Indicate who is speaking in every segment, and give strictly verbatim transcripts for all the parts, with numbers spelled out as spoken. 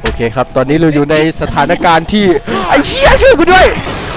Speaker 1: โอเคครับตอนนี้เราอยู่ในสถานการณ์ที่ไอ้เหี้ยช่วยกูด้วย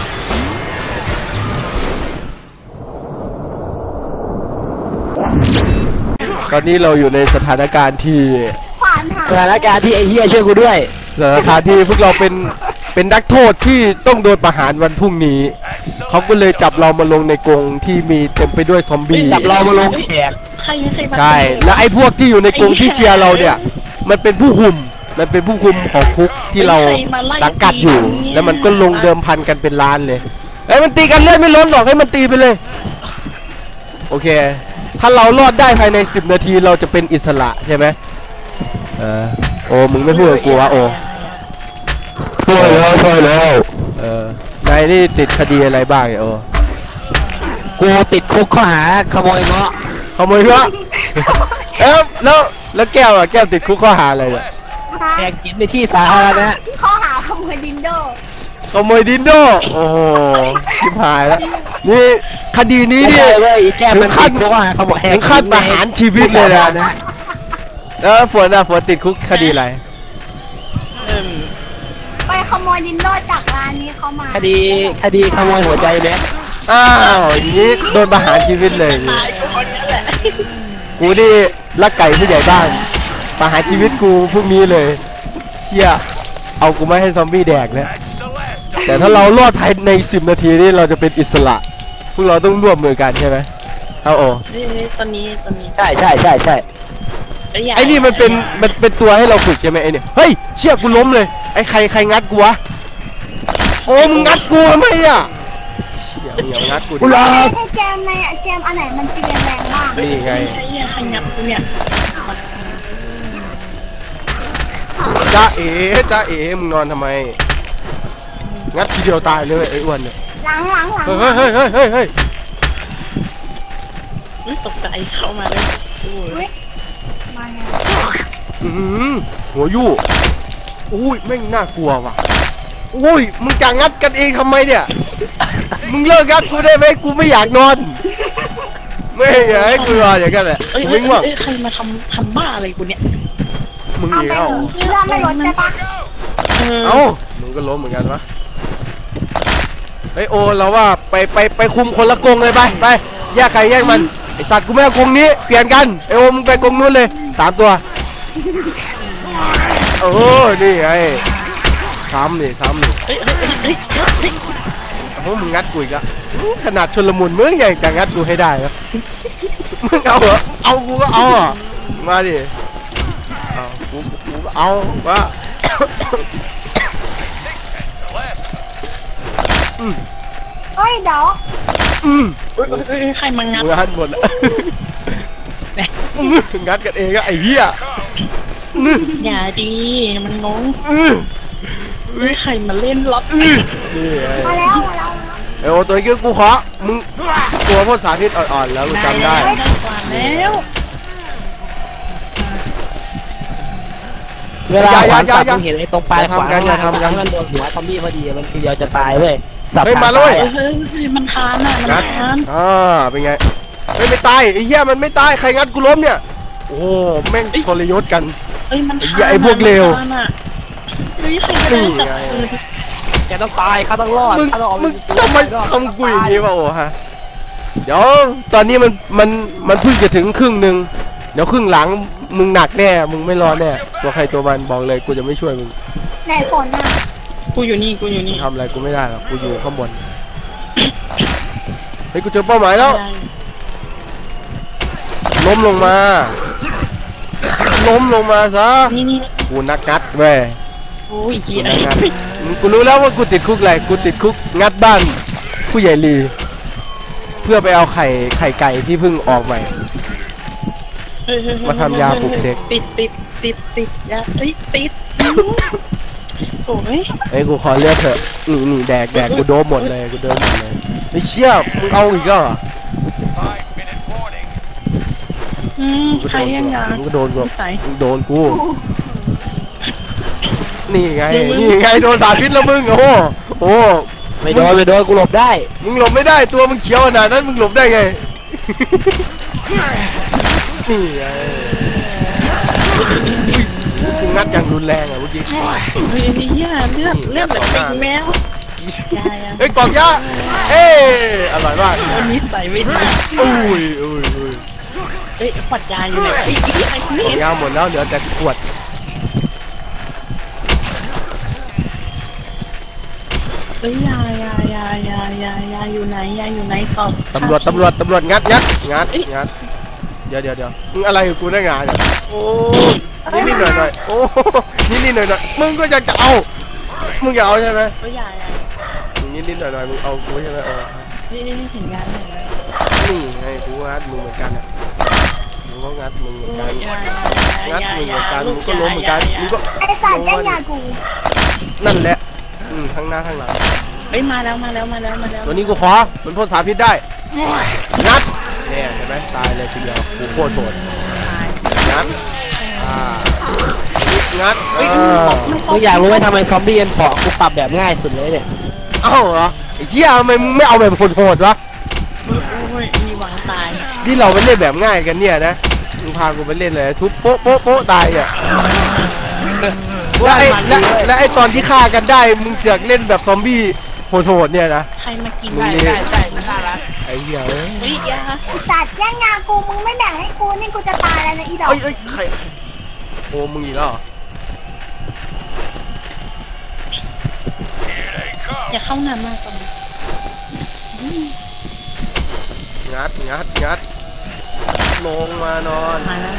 Speaker 1: ตอนนี้เราอยู่ในสถานการณ์ที่
Speaker 2: สถานการณ์ที่ไอ้เหี้ยช่วยกูด้วย
Speaker 1: สถานการณ์ที่พวกเราเป็นเป็นนักโทษที่ต้องโดนประหารวันพรุ่งนี้เขาก็เลยจับเรามาลงในกรงที่มีเต็มไปด้วยซอมบี้
Speaker 2: จับเรามาลงแขก
Speaker 1: ใช่แล้วไอ้พวกที่อยู่ในกรงที่เชียร์เราเนี่ยมันเป็นผู้คุมมันเป็นผู้คุมของคุกที่เราสังกัดอยู่แล้วมันก็ลงเดิมพันกันเป็นล้านเลยไอ้มันตีกันเลื่อนไม่ล้นหรอกให้มันตีไปเลยโอเคถ้าเรารอดได้ภายในสิบนาทีเราจะเป็นอิสระใช่ไหมเออโอ้มึงไม่พูดกับกูวะโอ้
Speaker 2: ช่วยแล้วช่วยแล้ว
Speaker 1: เออนายนี่ติดคดีอะไรบ้างโอ้
Speaker 2: กูติดคุกข้อหาขโมยเงาะ
Speaker 1: ขโมยเงาะเอ้าแล้วแล้วแก้วอ่ะแก้วติดคุกข้อหาอะไรเนี่ย
Speaker 2: แอบกินในที่สาธารณะ
Speaker 3: ข้อหาขโมยดินโด
Speaker 1: ขโมยดินโดโอ้โหชิบหายแล้วนี่คดีนี้นี่ถึงขั้นถึงขั้นประหารชีวิตเลยนะแล้วฝนอ่ะฝนติดคุกคดีอะไร
Speaker 3: ไปขโมยดินโดจากร้านนี้เขามา
Speaker 2: คดีคดีขโมยหัวใจแม็ก
Speaker 1: อ้าวอย่างนี้โดนประหารชีวิตเลยกูนี่ลักไก่ผู้ใหญ่บ้านประหารชีวิตกูพวกนี้เลยเชี่ยเอากูไม่ให้ซอมบี้แดกนะแต่ถ้าเรารอดภายในสิบนาทีนี่เราจะเป็นอิสระพวกเราต้องร่วมมือกันใช่ไหมเอาโอ้
Speaker 3: ตอนนี้ตอนนี้
Speaker 2: ใช่ใช่ใช่ใช่
Speaker 1: ไอ้นี่มันเป็นมันเป็นตัวให้เราฝึกใช่ไหมไอ้นี่เฮ้ยเชี่ยกูล้มเลยไอ้ใครใครงัดกูวะโอ้มึงงัดกูทำไมอ่ะเชี่ยมึงอย่างัดกูดิ
Speaker 3: ให้เกมในเกมอันไหนมันตีแรงบ้าง
Speaker 1: นี่ไง
Speaker 3: ใครงัดกูเนี่ย
Speaker 1: จ้าเอ๋จ้าเอ๋มึงนอนทำไมงัดทีเดียวตายเลยไอ้อ้วนเนี่ย
Speaker 3: หลังหลังหลัง
Speaker 1: เฮ้ยเฮ้ยเฮ้ยเฮ้ยเฮ้ย
Speaker 3: ตกใจเข้ามาเลยมาไง
Speaker 1: อือหัวยู่อุ้ยแม่งน่ากลัวว่ะอุ้ยมึงจะงัดกันเองทำไมเนี่ยมึงเลิกงัดกูได้ไหมกูไม่อยากนอนไม่อยากให้กูนอนอย่างนั้นแหละมึงว่า
Speaker 3: ใครมาทำทำบ้าอะไรกูเนี่ย
Speaker 1: มึงเหรอ
Speaker 3: เรื่องไม่ลดใช่ปะ
Speaker 1: เอ้ามึงก็ล้มเหมือนกันวะเฮ้ยโอเราว่าไปไปไปคุมคนละกรงเลยไปไปแยกใครแยกมันไอสัตว์กูไม่เอากรงนี้เปลี่ยนกันไอโอมึงไปกรงนู้นเลยสามตัวโอ้นี่ไงซ้ำนี่ซ้ำนี่โอ้มึงงัดกูอีกอะขนาดชนละมุนมึงยังจะงัดกูให้ได้เหรอมึงเอาเหรอเอากูก็เอาอ่ะมาดิเอากูกูก็เอาว่า
Speaker 3: เฮ้ยเดี๋ยว
Speaker 1: อืม
Speaker 3: ใครมางัด
Speaker 1: งัดหมดแล้วงัดกันเองก็ไอ้เหี้ย
Speaker 3: อย่าดีมันงงใครมาเล่นล็อกมาแล้วมาแล้ว
Speaker 1: เออตัวนี้กูขอมึงตัวพ่นสาธิตอ่อนๆแล้วจำได้
Speaker 3: แล้ว
Speaker 2: เวลาขวานสับมึงเห็นไอ้ตรงปลายขวานมันทำกันมันโดนหัวซอมบี้พอดีมันทีเดียวจะตายเว้ย
Speaker 1: สับมาเลย
Speaker 3: มันทานอ่ะมันทาน
Speaker 1: อ่าเป็นไงไม่ไม่ตายไอ้เหี้ยมันไม่ตายใครงัดกูล้มเนี่ยโอ้แม่งทรยศกัน
Speaker 3: ไอ้มัน
Speaker 1: ไอ้พวกเลว
Speaker 3: นี่
Speaker 2: แกต้องตายเขาต้องรอด
Speaker 1: มึงมึงทำไมทำกูอย่างนี้วะโอ้ฮะเดี๋ยวตอนนี้มันมันมันเพิ่งจะถึงครึ่งหนึ่งเดี๋ยวครึ่งหลังมึงหนักแน่มึงไม่รอดแน่ตัวใครตัวมันบอกเลยกูจะไม่ช่วยมึง
Speaker 3: ไหนฝนอ่ะกูอยู่นี่กูอยู่นี่
Speaker 1: ทำอะไรกูไม่ได้หรอกกูอยู่ข้างบนเฮ้ยกูเจอเป้าหมายแล้วล้มลงมาล้มลงมาซะกูนักงัดเว้ย
Speaker 3: โอ้ยเหี้ย
Speaker 1: กูรู้แล้วว่ากูติดคุกอะไรกูติดคุกงัดบ้านผู้ใหญ่ลีเพื่อไปเอาไข่ไข่ไก่ที่เพิ่งออกใหม่มาทำยาปลุกเสก
Speaker 3: ติดติดติดติดยาติดติดโอ้ย
Speaker 1: ไอ้กูขอเลือกเถอะนี่นี่แดกแดกกูโดนหมดเลยกูโดนหมดเลยไอ้เชี่ยมึงเอาอีกเหรอ
Speaker 3: อืมใครยังไง
Speaker 1: มึงก็โดนกูมึงโดนกูนี่ไงนี่ไงโดนสารพิษแล้วมึงโอ้โห
Speaker 2: ไม่โดนไม่โดนกูหลบได้
Speaker 1: มึงหลบไม่ได้ตัวมึงเขียวขนาดนั้นมึงหลบได้ไงนี่ไงงัดอย่างรุนแรงอ่ะเมื่อกี้
Speaker 3: เฮ้ยเฮียเลือดเลือดแบบเป็นแมว
Speaker 1: เฮ้ยกล่องยาเอ้อร่อยมาก
Speaker 3: วันนี้ใส่ไม่ดี
Speaker 1: อุ้ยอุ้ยอุ้ย
Speaker 3: เฮ้ยขวดยาอยู่ไหนไอ้ไอ้
Speaker 1: กล่
Speaker 3: นี่
Speaker 1: องยาหมดแล้วเหลือแต่ขวด
Speaker 3: เฮ้ยยายายายายายาอยู่ไหนยาอยู่ไหนตอบ
Speaker 1: ตำรวจตำรวจตำรวจงัดงัดงัดงัดเดี๋ยวเดี๋ยวเดี๋ยวมึงอะไรกับกูได้งานเนี่ยโอ้นิดนิดหน่อยหน่อยโอ้นิดนิดหน่อยหน่อยมึงก็อยากจะเอามึงอยากเอาใช่ไหม
Speaker 3: เฮ้ยยายา
Speaker 1: นิดนิดหน่อยหน่อยมึงเอากูใช่ไหมเออ
Speaker 3: นี่นี่เห็นงานเห็นไหม
Speaker 1: นี่ไงกูงัดมึงเหมือนกันอ่ะมึงก็งัดมึงเหมือนกัน
Speaker 3: ยา
Speaker 1: งัด
Speaker 3: ยา
Speaker 1: มึงเหมื
Speaker 3: ยา
Speaker 1: อนกัน
Speaker 3: ลู
Speaker 1: มึ
Speaker 3: ก
Speaker 1: งก็ล้มเหมือนกันมึงก็
Speaker 4: ไอ้สัตว์แย่งยากู
Speaker 1: นั่นแหละอืมทั้งหน้าทั้งหลัง
Speaker 3: เฮ้ยมาแล้วมาแล้วมาแล้วมาแล้ว
Speaker 1: ตัวนี้กูขอมันพ่นสารพิษได้งัดเนี่ยเห็นไหมตายเลยทีเดียวกูโคตรโหดงัดอ่างัดเออ
Speaker 2: กูอยากรู้ว่าทำไมซอมบี้มันเปาะกูปรับแบบง่ายสุดเลยเนี่ย
Speaker 1: เอ้าเหรอไอ้เหี้ยทำไมมึงไม่เอาแบบโหดๆวะ
Speaker 3: โอ้ยมีหวังตาย
Speaker 1: ที่เราไปเล่นแบบง่ายกันเนี่ยนะมึงพากูไปเล่นเลยทุบโป๊ะโป๊ะโป๊ะตายอ่ะแล้วไอ้และและไอ้ตอนที่ฆ่ากันได้มึงเสือกเล่นแบบซอมบี้โหดๆเนี่ยนะ
Speaker 3: ใครมากิน
Speaker 2: ใช่ใช่ใช่มันน่ารัก
Speaker 1: ไอ้เหี้ยเอ้ย
Speaker 3: เฮ้ยยา
Speaker 4: ไอ้สัตว์แย่งยากูมึงไม่แบ่งให้กูนี่กูจะตายแล้วนะอีดอก
Speaker 1: เอ้ยเอ้ยใครโอ้มึงอีกแล้วเหรอ
Speaker 3: อย่าเข้าน้ำมากตรงนี้
Speaker 1: งัดงัดงัดลงมานอน
Speaker 3: มาแล้ว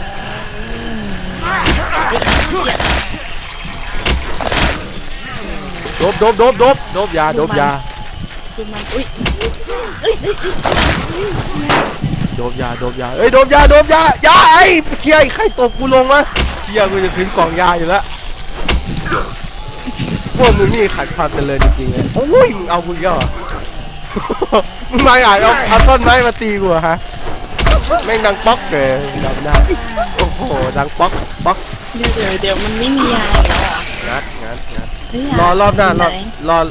Speaker 1: โดบโดบโดบโดบโดบยาโดบยา
Speaker 3: คือมันอุ้ยเอ้ยเอ้ย
Speaker 1: โดบยาโดบยาเอ้ยโดบยาโดบยายาไอ้เชี่ยใครตบกูลงวะเชี่ยกูจะถึงกล่องยาอยู่แล้วพวกมึงนี่ขาดความเจริญจริงๆเลยโอ้ยมึงเอากูเยอะมึงมาอ่านเอาเอาต้นไม้มาตีกูฮะแม่งดังป๊อกเลยจำได้โอ้โหดังป๊อกป๊อก
Speaker 3: เดี๋ยวเดี๋ยวเดี๋ยวมันไม่มียาแล้วอ่ะ
Speaker 1: งัดงัดงัด
Speaker 3: เฮ้ย
Speaker 1: รอรอบหน้ารอรอ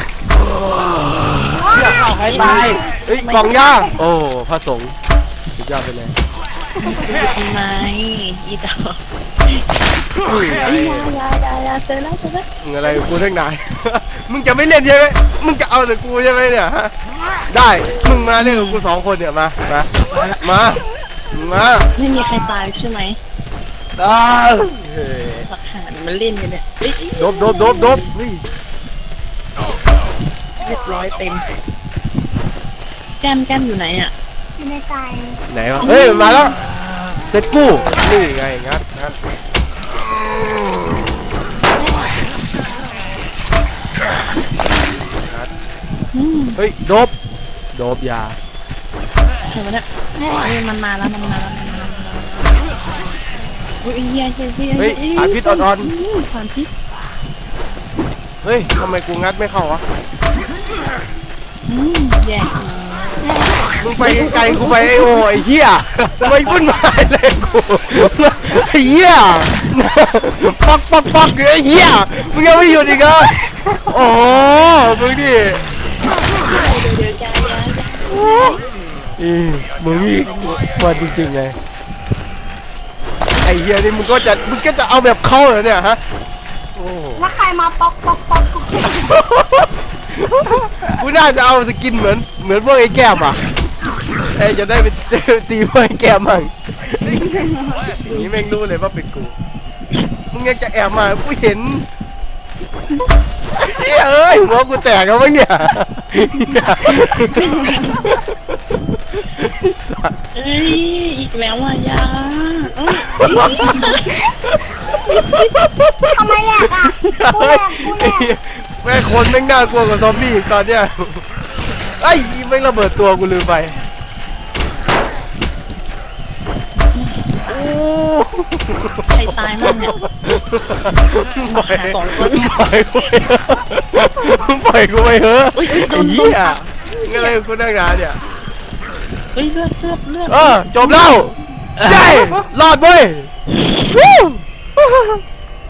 Speaker 2: เอาใครตาย
Speaker 1: เอ้ยกล่องยาโอ้พระสงฆ์สุดยอดไปเลย
Speaker 3: ทำไมอีดอก
Speaker 1: อุ้ยไอ้
Speaker 3: ยายายายาเจอแล้วเจอแล้ว
Speaker 1: มึงอะไรกับกูทั้งนาย มึงจะไม่เล่นใช่ไหมมึงจะเอาแต่กูใช่ไหมเนี่ยฮะได้มึงมาเล่นกับกูสองคนเนี่ยมามามามา
Speaker 3: ไม่มีใครตายใช่ไหม
Speaker 2: เออ
Speaker 1: เฮ้ย
Speaker 3: หลักฐานมันเล่นกันเนี่ยเฮ้ย
Speaker 1: โดบโดบโดบโดบเฮ้ย
Speaker 3: เรียบร้อยเต็มแก้มแก้มอยู่ไหนอ่ะ
Speaker 4: อยู่ในใจ
Speaker 1: ไหนวะเฮ้ยมาแล้วเซ็ตกู้นี่ไงงัดงัดงัด
Speaker 3: อืม
Speaker 1: เฮ้ยโดบโดบยา
Speaker 3: ใครวะเนี่ยเฮ้ยมันมาแล้วมันมาแล้วมันมาแล้วโอ้ยเฮียเฮียเฮีย
Speaker 1: เฮ้ยสารพิษอ่อน
Speaker 3: สารพิษ
Speaker 1: ๆเฮ้ยทำไมกูงัดไม่เข้าวะ
Speaker 3: อืมแย่
Speaker 1: มึงไปไกลๆกูไปไอ้โอ้ไอ้เหี้ยไม่วุ่นวายเลยกูไอ้เหี้ยปักปักปักไอ้เหี้ยมึงยังไม่หยุดอีกเหรอโอ้มึงดิ
Speaker 3: เดี๋ยวเดี๋ยวจ้าจ้า
Speaker 1: อีมึงนี่มาจริงๆไงไอ้เหี้ยนี่มึงก็จะมึงก็จะเอาแบบเข้าเหรอเนี่ยฮะโอ้
Speaker 4: แล้วใครมาป๊อกป๊อกป๊อกกู
Speaker 1: กูน่าจะเอาสกินเหมือนเหมือนพวกไอ้แก้มอ่ะไอ้จะได้ไปตีพวกไอ้แก้มมั่งอย่างนี้แม่งรู้เลยว่าเป็นกูมึงยังจะแอบมากูเห็นเฮ้ยเอ้ยหัวกูแตกแล้วมั้งเนี่ย
Speaker 3: เอ้ยอีกแล้วอ่ะยาเอ้ย
Speaker 4: ทำไมแหลกอ่ะกูแหลกกูแหลก
Speaker 1: แม่งคนแม่งน่ากลัวกว่าซอมบี้อีกตอนเนี้ยไอ้ยแม่งระเบิดตัวกูลืมไปโอ้
Speaker 3: ใครตายมั่งเนี่ย
Speaker 1: ปล่อย
Speaker 3: สองคน
Speaker 1: ปล่อยกูไปปล่อยกูไปเถอะไอ้เหี้ยงั้นอะไรกูนั่งงานเนี่ย
Speaker 3: เฮ้ยเลือดเลือดเลือด
Speaker 1: เออจบแล้วได้รอดเว้ย